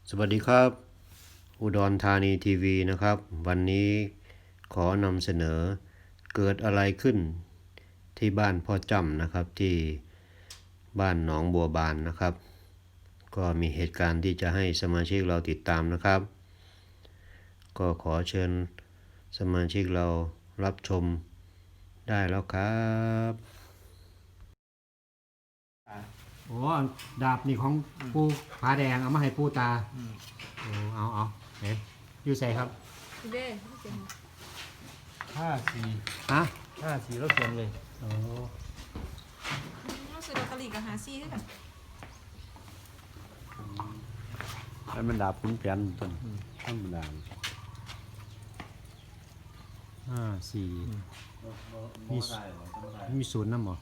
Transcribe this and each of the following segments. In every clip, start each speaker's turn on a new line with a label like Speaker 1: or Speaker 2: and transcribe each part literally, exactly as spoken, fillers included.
Speaker 1: สวัสดีครับอุดรธานีทีวีนะครับวันนี้ขอนำเสนอเกิดอะไรขึ้นที่บ้านพ่อจ้ำนะครับที่บ้านหนองบัวบานนะครับก็มีเหตุการณ์ที่จะให้สมาชิกเราติดตามนะครับก็ขอเชิญสมาชิกเรารับชมได้แล้วครับโอ้ดาบนี่ของปูผาแดงเอามาให้ปูตาโอ้เอาเอาเห็นอยู่ใส่ครับ
Speaker 2: เด้เสียง
Speaker 3: ห้าสี่
Speaker 1: ฮะ
Speaker 3: ห้าสี่แล้วเขียนเลย
Speaker 1: โอ้
Speaker 2: รู้สึกลอตเตอรี่กับหาซี่ด้วยกัน
Speaker 4: ให้มันดาบขุนแผนต้นธรรมดา
Speaker 1: ห้าสี่มีมีศูนย์น้ำหรอ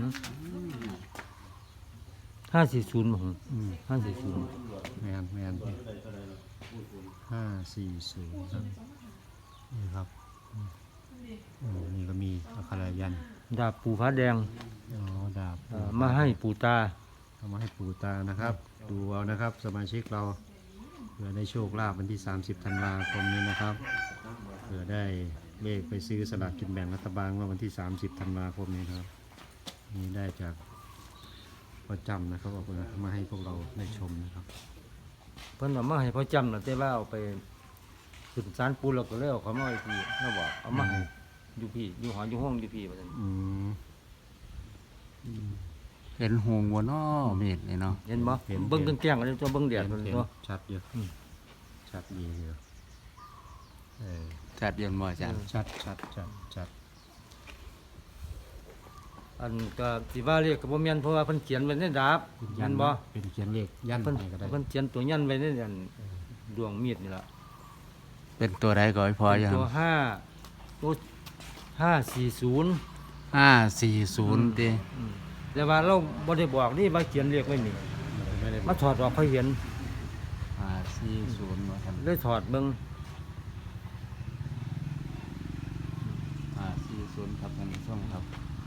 Speaker 3: ห้าสี่ศูนย์ผม
Speaker 1: อืม
Speaker 3: ห้าสี่ศูนย์
Speaker 1: แมนแมนห้าสี่ศูนย์ครับนี่ครับอืมอืมนี่ก็มีอักขระยันต์
Speaker 3: ดาบปูฟ้าแดง
Speaker 1: อ๋อดาบ
Speaker 3: เอ่อมาให้ปูตา
Speaker 1: เอามาให้ปู่ตานะครับ ดูเอานะครับสมาชิกเราเผื่อได้โชคลาภวันที่สามสิบธันวาคมนี้นะครับเผื่อได้เลขไปซื้อสลากกินแบ่งรัฐบาลว่าวันที่สามสิบธันวาคมนี้ครับนี่ได้จากพ่อจำนะครับเอามาให้พวกเราได้ชมนะครับ
Speaker 3: เพิ่นเอามาให้พ่อจำนะแต่ว่าเอาไปขึ้นศาลปูแล้วก็เลยเอาเขามาไว้พี่เขาบอกเอามาให้อยู่พี่อยู่หออยู่ห้องอยู่พี่ว่าซั่น
Speaker 1: อืม
Speaker 4: เห็นหงวัวน้อเม็ดเลยเนาะ
Speaker 3: เห็นบ่เบิ่งแกล้งๆกันตัวเบิ่งแดดมัน
Speaker 1: เห็น
Speaker 3: ตัว
Speaker 1: ชัดเยอะชัดดีเยอะเออ
Speaker 4: จัดเย็นบ่อาจารย์
Speaker 1: ชัดชัดชัดชัด
Speaker 3: อันก็สิว่าเรียกก็บ่แม่นเพราะว่าเพิ่นเขียนไว้ในดาบ
Speaker 1: เป็น
Speaker 3: แม่
Speaker 1: ยัน
Speaker 3: นบ่
Speaker 1: เป็นเขียนเลขยัน
Speaker 3: เพิ่น
Speaker 1: ให้ก็ได้
Speaker 3: เพิ่นเขียนตัวยันไว้ในอันดวงมีดนี่ล่ะ
Speaker 4: เป็นตัวใดก็ให้พอยัง
Speaker 3: ตัวห้าตัวห้าสี่ศูนย์
Speaker 4: ห้าสี่ศูนย์ดิ
Speaker 3: อืมแต่ว่าเราบ่ได้บอกนี่มาเขียนเรียกไว้นี่
Speaker 1: ไม่ได้
Speaker 3: มาถอดออกเขาเห็น
Speaker 4: ห้าสี่ศูนย์ว่าท่าน
Speaker 3: เลยถอดเบิ่ง
Speaker 4: ห้าสี่ศูนย์ครับท่านผู้ชมครับ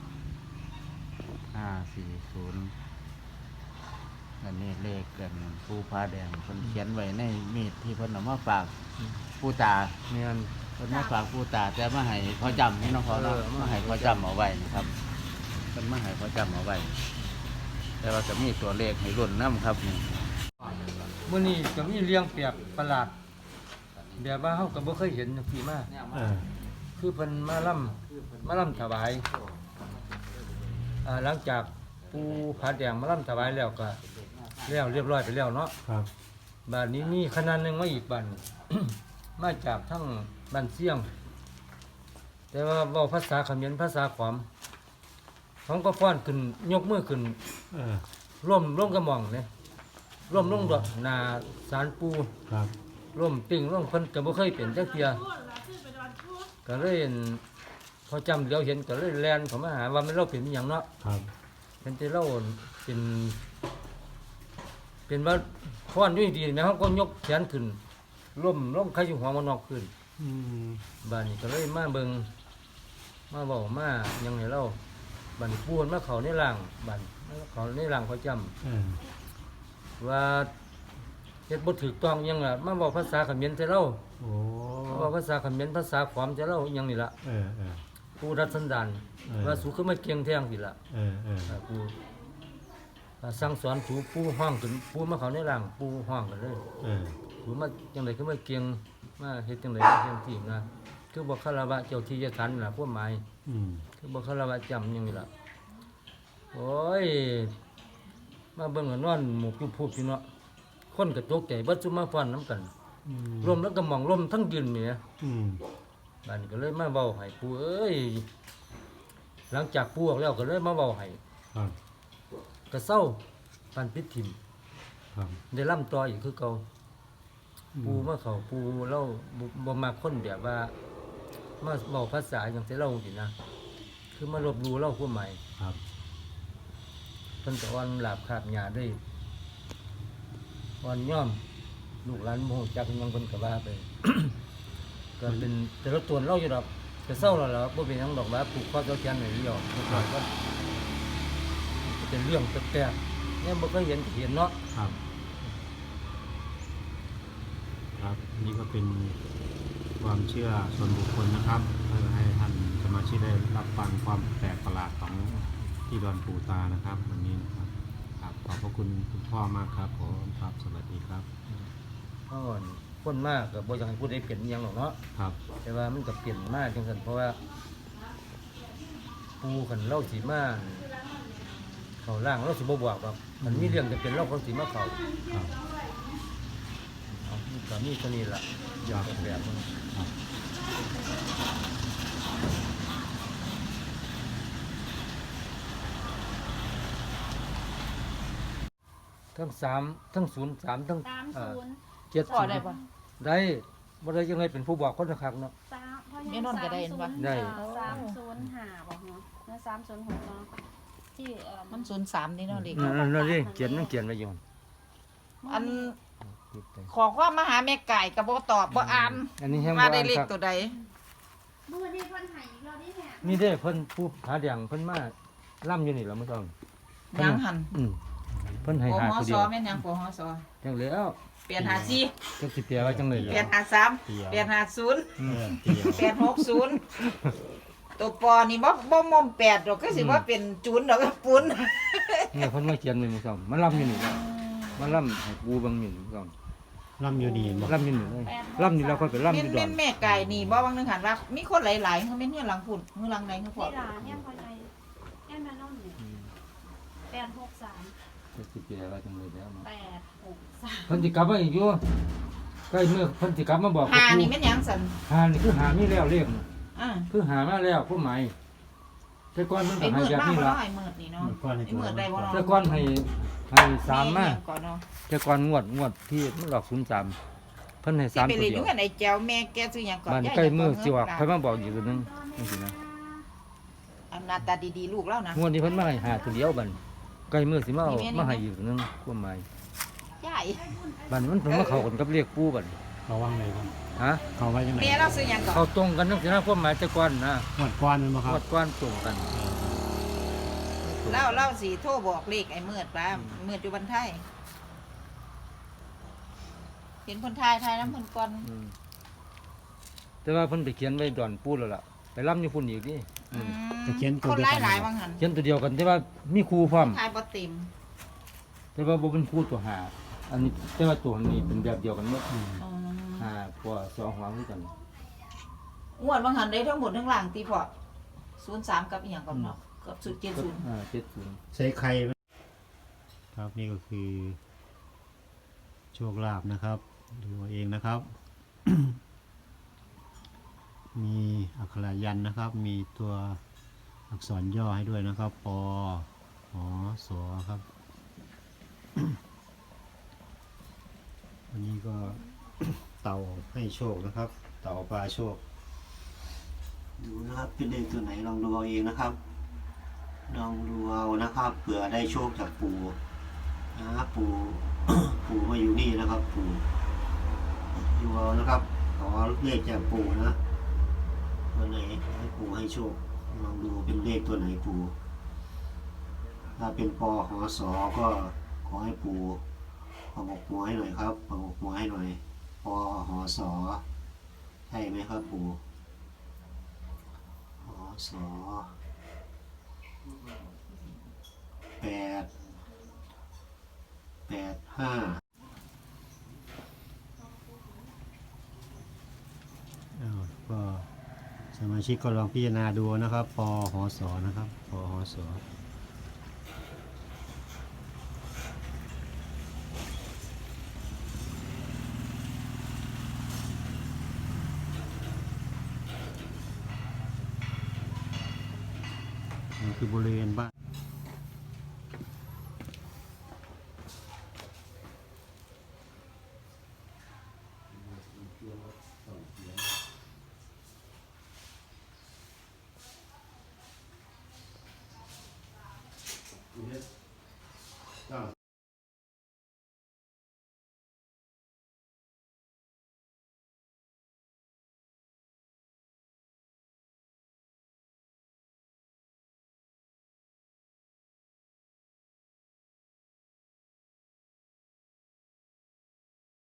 Speaker 4: ห้าสี่ศูนย์อันนี้เลขกันปูผ้าแดงเพิ่นเขียนไว้ในมีดที่เพิ่นเอามาฝากผู้ตา
Speaker 3: แม่น
Speaker 4: เพิ่นมาฝากผู้ตาแต่มาให้พ่อจำนี่เนาะพ่อเนาะ
Speaker 3: เออ
Speaker 4: มาให้พ่อจำเอาไว้นะครับเพิ่นมาให้พ่อจำเอาไว้ แต่ว่าก็มีตัวเลขให้รุ่นน้ำครับนี่
Speaker 3: มื้อนี้ก็มีเลี้ยงแปลกประหลาดแบบว่าเฮาก็บ่เคยเห็นจังซี่มา
Speaker 1: เออ
Speaker 3: คือเพิ่นมาล่ำมาล่ำถวายอ่าหลังจากปูผาแดงมาล่ำถวายแล้วก็แล้วเรียบร้อยไปแล้วเนาะ
Speaker 1: ครับ
Speaker 3: บ้านนี้มีคณะหนึงมาอีกบ้าน มาจากทั้งบ้านเสียง แต่ว่าเว้าภาษาเขมรภาษาขอมเขาก็ฟ้อนขึ้นยกมือขึ้น
Speaker 1: เออ
Speaker 3: ร่วมร่วมกระหม่องเนี่ยร่วมลงดอกหนาสารปู
Speaker 1: ครับ
Speaker 3: ร่วมติ่งร่วมเพิ่นก็บ่เคยเป็นจักเที่ยก็เลยอั่นพอจำเดี๋ยวเห็นก็เลยแล่นเข้ามาหาว่ามันเราเป็นอหยังเนาะ
Speaker 1: ครับ
Speaker 3: เป็นที่เราเป็น เป็นว่าฟ้อนอยู่ดีๆแม่เขาก็ยกแขนขึ้นร่วมร่วมใครอยู่หัวมันนอกขึ้น
Speaker 1: อืม
Speaker 3: บ้านนี้ก็เลยมาเบิ่งมาเว้ามาหยังให้เราบ้านปูนมาเข้าในร่างบ้านมาเข้าในร่างพอจำ
Speaker 1: เออ
Speaker 3: ว่าเฮ็ดบ่ถูกต้องอิหยังล่ะมาเว้าภาษาเขมรใส่เรา
Speaker 1: โอ้
Speaker 3: มาเว้าภาษาเขมรภาษาขอมใส่เราอิหยังนี่ล่ะ
Speaker 1: เออเออ
Speaker 3: ผู้รัดสันดาน
Speaker 1: เออ
Speaker 3: ว่าสูคือมาเก่งแท้งสิล่ะ
Speaker 1: เออเออ
Speaker 3: อ่าผู้อ่าสั่งสอนสูผู้ห้องขึ้นผู้มาเข้าในร่างผู้ห้องกันเลย
Speaker 1: เออ
Speaker 3: สูมาจังได๋คือมาเก่งมาเฮ็ดจังได๋เฮ็ดที่นะคือบ่คารวะเจ้าที่เจ้าทานนั่นล่ะความหมาย
Speaker 1: อืม
Speaker 3: คือบ่คารวะจำอิหยังนี่ล่ะโอ้ยมาเบิ่งก็นอนหมู่ผู้ผู้พี่เนาะคนก็ตกใจเบิดซุมาฟ้อนนํกัน
Speaker 1: อืม
Speaker 3: ลมแล้วก็มองลมทั้งยืนเนี่ย
Speaker 1: อืม
Speaker 3: บ้านนี้ก็เลยมาเบาให้ปูเอ้ยหลังจากปูออกแล้วก็เลยมาเบาให้
Speaker 1: ครับ
Speaker 3: ก็เศร้าปันปิดถิ่ม
Speaker 1: ครับ
Speaker 3: ได้ล่ำต่ออีกคือเก่าปูมาเขาปูเล่าบ่บ่มาคนแบบว่ามาเบาภาษาอย่างที่เล่าสินะคือมาลบหลู่เล่าความหมาย
Speaker 1: ครับ
Speaker 3: เพิ่นก็อ่อนหลาบขาบหญ้าได้อ่อนย่อมลูกหลานโมโหจักอิหยังเพิ่นก็ว่าไป ก็เป็นแต่ละตัวเล่าอยู่ดอกแต่เศร้าแล้วล่ะบ่เป็นหยังดอกว่าผูกคอเจ้าแขนให้เดียวก็ก็เป็นเรื่องแปลกๆเนี่ยบ่เคยเห็นก็เห็นเนาะ
Speaker 1: ครับ
Speaker 3: ก
Speaker 1: ครับนี่ก็เป็นความเชื่อส่วนบุคคลนะครับเพื่อให้ท่านสมาชิกได้รับฟังความแปลกประหลาดของที่ดอนปู่ตานะครับวันนี้นะครับครับขอบพระคุณคุณพ่อมากครับผมครับสวัสดีครับ
Speaker 3: เพราะว่าคนมากก็บ่อยากให้พูดได้เปลี่ยนอิหยังหรอกเนาะ
Speaker 1: ครับ
Speaker 3: แต่ว่ามันก็เปลี่ยนมากจังซั่นเพราะว่าปูคันเล่าสิมาเข้าร่างเราสิบ่บอกว่ามันมีเรื่องจะเป็นเราเขาสิมาเข้า
Speaker 1: ครับ
Speaker 3: เอามันก็มีเท่านี้ล่ะอย่างแบบมัน
Speaker 1: ครับ
Speaker 3: ทั้งสามทั้งศูนย์สามทั้ง
Speaker 5: สาม
Speaker 3: เอ่อ
Speaker 5: ศูนย์
Speaker 3: เจ็ด
Speaker 2: พอ
Speaker 3: ศูนย์
Speaker 2: ได้ปะ
Speaker 3: ได้บ่ได้ยังไงเป็นผู้บอกคนคักเนาะ
Speaker 5: สามเพราะ
Speaker 2: แม่นอนก็ได้เห็นปะ
Speaker 3: ได้
Speaker 5: สามศูนย์ห้าบอกเนาะแล้วสามศูนย์หกเนาะที่เอ่อ
Speaker 2: มันศูนย์สามนี่เนาะเด็ก
Speaker 3: นั่นนั่นนี่เขียนมันเขียนไว้อยู่
Speaker 2: อัน
Speaker 3: คิดไป
Speaker 2: ขอความมาหาแม่ไก่กับบ่ตอบบ่อ่าน
Speaker 3: อันนี้แฮงบ่
Speaker 2: มา
Speaker 3: อ่า
Speaker 2: ได้
Speaker 3: น
Speaker 2: เลข
Speaker 3: ครับ
Speaker 2: ตัวใด
Speaker 5: เมื่อนี้เพิ่นให้อีกเราได้แหะ
Speaker 3: มีเด้เพิ่นผู้หาแดงเพิ่นมาล่ำอยู่นี่ล่ะมื้อต้อง
Speaker 2: ยังหัน
Speaker 3: อืมเพิ่นให้
Speaker 2: ป
Speaker 3: หา
Speaker 2: ห
Speaker 3: ตัว
Speaker 2: ส
Speaker 3: เดียว
Speaker 2: แม่นยังปหส
Speaker 3: จังแล้ว
Speaker 2: เปลี่ยนหาสี่
Speaker 3: จักสิแปลว่าจังเลย
Speaker 2: เปลี่ยนหาสามเปลี่ยนหาศูนย์
Speaker 3: อืม
Speaker 1: เตียว
Speaker 2: เปลี่ยนหกศูนย์ตัวปอนี่บ่บ่มอมแปดดอกก็สิว่าเป็นจูนดอกก็ปุ้น
Speaker 3: เนี่ยเพิ่นมาเขียนไว้มื้อต้องมาล่ำอยู่นี่ล่ะมาล่ำให้กูเบิ่งนี่มื้อต้อง
Speaker 1: ล่ำอยู่นี่บ่
Speaker 3: ล่ำอยู่นี่เลยล่ำนี่แล้วค่อยไปล่ำอ
Speaker 2: แม่น
Speaker 3: ยู่ดอ
Speaker 2: แม่
Speaker 3: น
Speaker 2: นแม่ไก่นี่บ่บางนึงหันว่ามีคนหลายๆเขาแม่นเฮือนหลังพุ่นเฮือนหลังใดเขาพอ
Speaker 5: เวลาเนี่ยพอใจเนี่ยแม่น้องเนี่ยแปดหกสาม
Speaker 3: จักสิแปลว่าจังเลยแล้วเนาะ
Speaker 5: แปดหกสาม
Speaker 3: เพิ่นสิกลับมาอีกอยู่ใกล้มื้อเพิ่นสิกลับมาบอก
Speaker 2: หา
Speaker 3: กับ
Speaker 2: นี่
Speaker 3: กู
Speaker 2: แม่นหยังสัน
Speaker 3: หานี่คือหามีแล้วเลขน่ะ
Speaker 2: อ่า
Speaker 3: คือหามาแล้วผู้หมายแต่ก่อนมัน
Speaker 2: ไอ้
Speaker 3: ก็ให้
Speaker 2: มืด
Speaker 3: แบบ
Speaker 2: มาก
Speaker 3: นี้
Speaker 2: บ่
Speaker 3: ล่ะ
Speaker 2: เนาะไอ้มืดนี่เนาะไอ้มืดได้บ่เนาะ
Speaker 3: แต่ก่อนให้ให้สามมา
Speaker 2: ก่อนเนาะ
Speaker 3: แต่ก่อนงวดงวดที่มันออกศูนย์สามเพิ่นให้
Speaker 2: สิ
Speaker 3: สาม
Speaker 2: ไป
Speaker 3: ตัว
Speaker 2: เรียนอ
Speaker 3: เดีย
Speaker 2: ยู่
Speaker 3: ว
Speaker 2: กันไอ้แจ้วแม่แกซื้อหยังก่อน
Speaker 3: บ้าน
Speaker 2: ยาย
Speaker 3: ใกล้มือ
Speaker 2: จะ
Speaker 3: สิว่า
Speaker 2: เงิน
Speaker 3: เพิ่นมาบอกอีกตัวหนึงจังซี่นะ
Speaker 2: อำนาจตาดีๆลูกแล้วนะ
Speaker 3: งวดนี้เพิ่นมาให้หาตัวเดียวบัดใกล้มือสิมาเอา
Speaker 2: นี่แม่นี่
Speaker 3: มาให้อีกตัวหนึงความหมาย
Speaker 2: ยาย
Speaker 3: บัดนี้มันเพิ่นมาเข้ากันกับเลขปู่บัด
Speaker 1: เขาว่างไงครับ
Speaker 3: ฮะ
Speaker 1: เขาไว้ยังไง
Speaker 2: แม่เราซื้อหยังก่อน
Speaker 3: เข้าตรงกันจังซี่นะความหมายแต่ก่อนนะ
Speaker 1: หมดก้อนมันบ่ค
Speaker 3: ง
Speaker 1: รับ
Speaker 3: วดก่อนตรงกัน
Speaker 2: เล่าเล่าสิโทรบอกเลขไอ้มืดป้ามืดอยู่บันไทยเห็นคนไทยไทยน้ำเพิ่นก่อน
Speaker 3: อืมแต่ว่าเพิ่นไปเขียนไว้ดอนปู่แล้วล่ะไปล้ำอยู่พุ่นอีกนี่
Speaker 2: อืม
Speaker 1: จะเขียนตัว
Speaker 2: คน
Speaker 1: เดียว
Speaker 2: หลาย
Speaker 1: กัน
Speaker 2: หลาย
Speaker 1: บ่
Speaker 2: บางหัน
Speaker 3: เขียนตัวเดียวกันแต่ว่ามีครูพร้อม
Speaker 2: ทายบ่เต็ม
Speaker 3: แต่ว่าบ่เป็นครูตัวหาอันนี้แต่ว่าตัวนี้เป็นแบบเดียวกันหมด
Speaker 1: อืม
Speaker 2: อืม
Speaker 3: หาพวสองหัวคือกัน
Speaker 2: งวดบางหันได้ทั้งหมดทั้งหลังตีพอศูนย์สามกับอีหยังก่อนเนาะกับสุดเจ็ดศูนย์
Speaker 3: อ่าเจ็ดศูนย์
Speaker 1: ใส่ไข่ไหมครับนี่ก็คือ โชคลาภนะครับ ดูเอาเองนะครับ มีอักขระยันต์นะครับ มีตัวอักษรย่อให้ด้วยนะครับปอหอสอครับ วันนี้ก็ เต่าให้โชคนะครับ เต่าปลาโชค ดูนะครับเป็นเลขตัวไหนลองดูเอาเองนะครับ ลองดูเอานะครับเผื่อได้โชคจากปู่นะปู่ ปู่มาอยู่นี่นะครับ ปู่อยู่เอานะครับขอเลขจากปู่นะตัวไหนให้ปู่ให้โชคลองดูเป็นเลขตัวไหนปู่ถ้าเป็นปอหอสอก็ขอให้ปู่ประกบหัวให้หน่อยครับประกบหัวให้หน่อยปอหอสอใช่ไหมครับปู่หอสอแปดแปดห้าอ้าวก็สมาชิกก็ลองพิจารณาดูนะครับปอหอสอนะครับปอหอสอนี่คือบริเวณบ้าน